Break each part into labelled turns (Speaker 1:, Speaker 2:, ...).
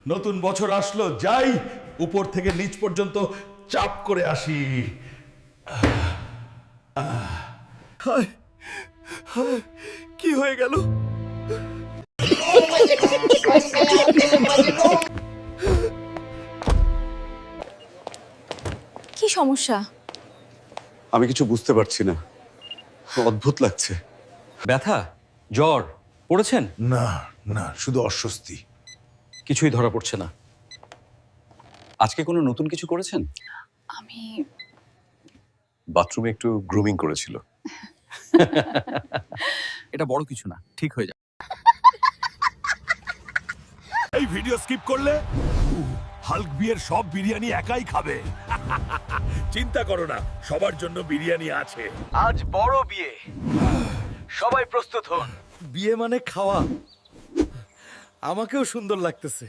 Speaker 1: নতুন বছর আসলো, যাই উপর থেকে নিচ পর্যন্ত চাপ করে আসি। হায়, হায়, কি হয়ে গেল?
Speaker 2: কি সমস্যা?
Speaker 3: আমি কিছু বুঝতে পারছি না, অদ্ভুত লাগছে।
Speaker 4: ব্যথা, জ্বর পড়েছেন?
Speaker 1: না না, শুধু অস্বস্তি।
Speaker 4: কিছুই ধরা পড়ছে না। আজকে কোনো নতুন কিছু করেছেন?
Speaker 2: আমি
Speaker 3: বাথরুমে একটু গ্রুমিং করেছিল।
Speaker 4: এটা বড় কিছু না, ঠিক হয়ে যাবে।
Speaker 1: এই ভিডিও স্কিপ করলে হাল্ক বিয়ের সব বিরিয়ানি একাই খাবে। চিন্তা করো না, সবার জন্য বিরিয়ানি আছে।
Speaker 5: আজ বড় বিয়ে, সবাই প্রস্তুত হন।
Speaker 1: বিয়ে মানে খাওয়া। আমাকেও সুন্দর লাগতেছে।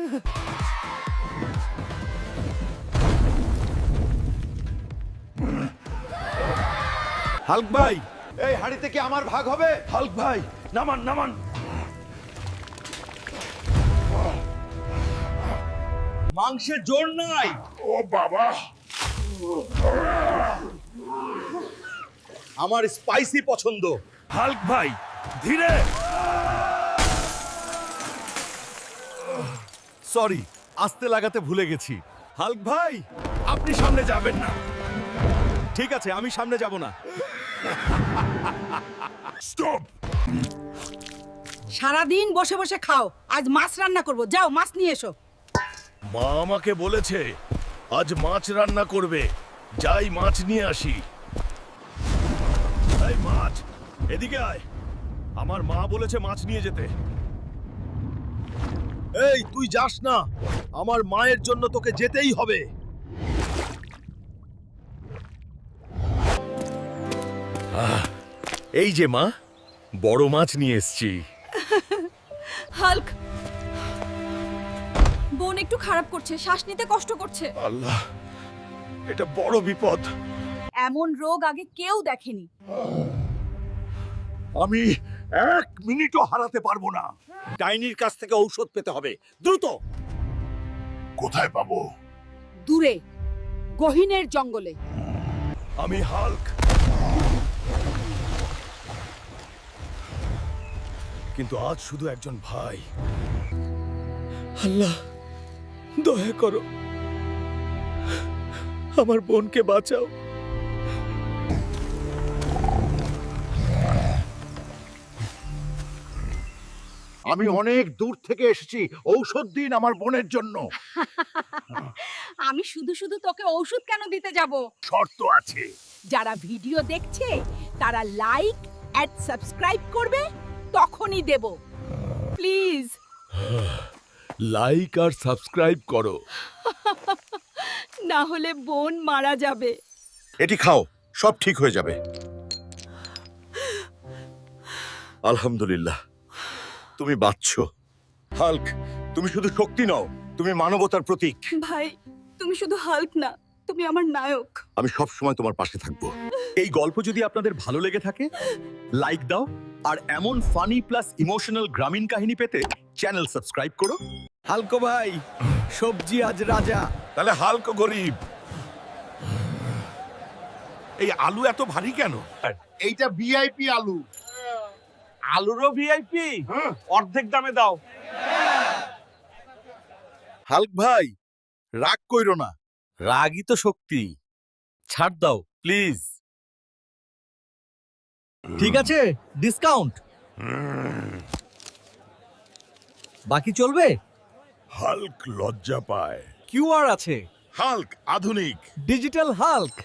Speaker 1: হাল্ক ভাই,
Speaker 5: এই হাড়িতে কি আমার ভাগ হবে?
Speaker 1: হাল্ক ভাই, নামান নামান।
Speaker 5: মাংসের জোর নাই।
Speaker 1: ও বাবা,
Speaker 5: আমার স্পাইসি পছন্দ।
Speaker 1: হাল্ক ভাই ধীরে। সরি, আস্তে লাগাতে ভুলে গেছি। হাল্ক ভাই, আপনি সামনে যাবেন না।
Speaker 5: ঠিক আছে, আমি সামনে যাব না।
Speaker 1: স্টপ।
Speaker 6: সারাদিন বসে বসে খাও, আজ মাছ রান্না করব, যাও মাছ নিয়ে এসো।
Speaker 1: মা আমাকে বলেছে আজ মাছ রান্না করবে, যাই মাছ নিয়ে আসি। এই মাছ, এদিকে আয়। আমার মা বলেছে মাছ নিয়ে যেতে।
Speaker 5: এই তুই যাস না, আমার মায়ের জন্য তোকে যেতেই হবে।
Speaker 1: এই যে মা, বড় মাছ নিয়ে এসেছি।
Speaker 2: হাল্ক, বোন একটু খারাপ করছে, শ্বাস নিতে কষ্ট করছে।
Speaker 1: আল্লাহ, এটা বড় বিপদ।
Speaker 2: এমন রোগ আগে কেউ দেখেনি।
Speaker 1: আমি 1 মিনিটও হারাতে পারবো না।
Speaker 5: ডাইনির কাছ থেকে ঔষধ পেতে হবে, দ্রুত।
Speaker 1: কোথায় পাবো?
Speaker 6: দূরে গহীনের জঙ্গলে।
Speaker 1: আমি হাল্ক, কিন্তু আজ শুধু একজন ভাই। আল্লাহ, দয়া করো, আমার বোনকে বাঁচাও।
Speaker 5: আমি অনেক দূর থেকে এসেছি, ঔষধ দিন আমার বোনের জন্য।
Speaker 6: আমি শুধু শুধু তোকে ঔষধ কেন দিতে যাব?
Speaker 1: শর্ত আছে।
Speaker 6: যারা ভিডিও দেখছে তারা লাইক এন্ড সাবস্ক্রাইব করবে, তখনই দেব। প্লিজ।
Speaker 1: লাইক আর সাবস্ক্রাইব করো।
Speaker 6: না হলে বোন মারা যাবে।
Speaker 5: এটি খাও, সব ঠিক হয়ে যাবে। আলহামদুলিল্লাহ, তুমি বাঁচছো। হাল্ক, তুমি শুধু শক্তি নও, তুমি মানবতার প্রতীক।
Speaker 2: ভাই, তুমি শুধু হাল্ক না, তুমি আমার নায়ক।
Speaker 5: আমি সব সময় তোমার পাশে থাকবো।
Speaker 4: এই গল্প যদি আপনাদের ভালো লেগে থাকে, লাইক দাও, আর এমন ফানি প্লাস ইমোশনাল গ্রামীণ কাহিনী পেতে চ্যানেল সাবস্ক্রাইব করো।
Speaker 5: হালকো ভাই, সবজি আজ রাজা।
Speaker 1: তাহলে হাল্ক গরিব। এই আলু এত ভারী কেন?
Speaker 5: এইটা ভিআইপি আলু। আলুরও ভিআইপি, অর্ধেক দামে দাও। হাল্ক ভাই, রাগ কইরো না, রাগই তো শক্তি। ছাড় দাও প্লিজ।
Speaker 4: ঠিক আছে, ডিসকাউন্ট বাকি চলবে।
Speaker 1: হাল্ক লজ্জা পায়।
Speaker 4: কিউআর আছে,
Speaker 1: হাল্ক আধুনিক।
Speaker 4: ডিজিটাল হাল্ক।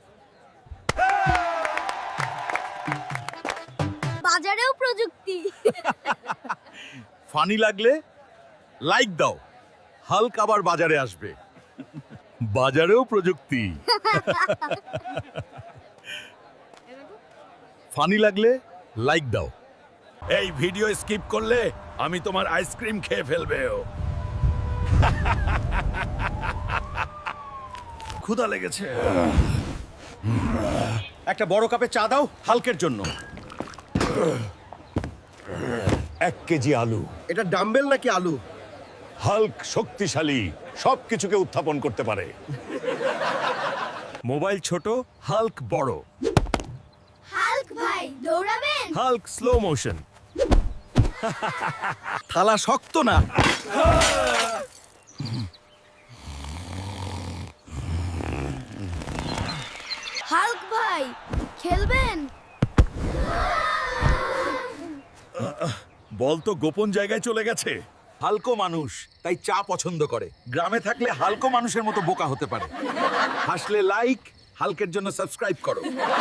Speaker 2: বাজারেও প্রযুক্তি।
Speaker 5: ফানি লাগলে লাইক দাও, হাল্ক আবার বাজারে আসবে।
Speaker 1: বাজারেও প্রযুক্তি।
Speaker 5: ফানি লাগলে লাইক দাও।
Speaker 1: এই ভিডিও স্কিপ করলে আমি তোমার আইসক্রিম খেয়ে ফেলবেও। ক্ষুধা লেগেছে।
Speaker 5: একটা বড় কাপে চা দাও হাল্কের জন্য।
Speaker 1: 1 কেজি আলু।
Speaker 5: এটা ডাম্বেল নাকি আলু?
Speaker 1: হাল্ক শক্তিশালী, সবকিছুকে উত্থাপন করতে পারে। মোবাইল ছোট, হাল্ক বড়।
Speaker 7: হাল্ক ভাই দৌড়াবেন?
Speaker 1: Hulk slow motion.
Speaker 5: থালা শক্ত না।
Speaker 7: হাল্ক ভাই খেলবেন?
Speaker 1: বল তো গোপন জায়গায় চলে গেছে।
Speaker 5: হালকো মানুষ তাই চা পছন্দ করে। গ্রামে থাকলে হালকো মানুষের মতো বোকা হতে পারে। হাসলে লাইক, হালকের জন্য সাবস্ক্রাইব করো।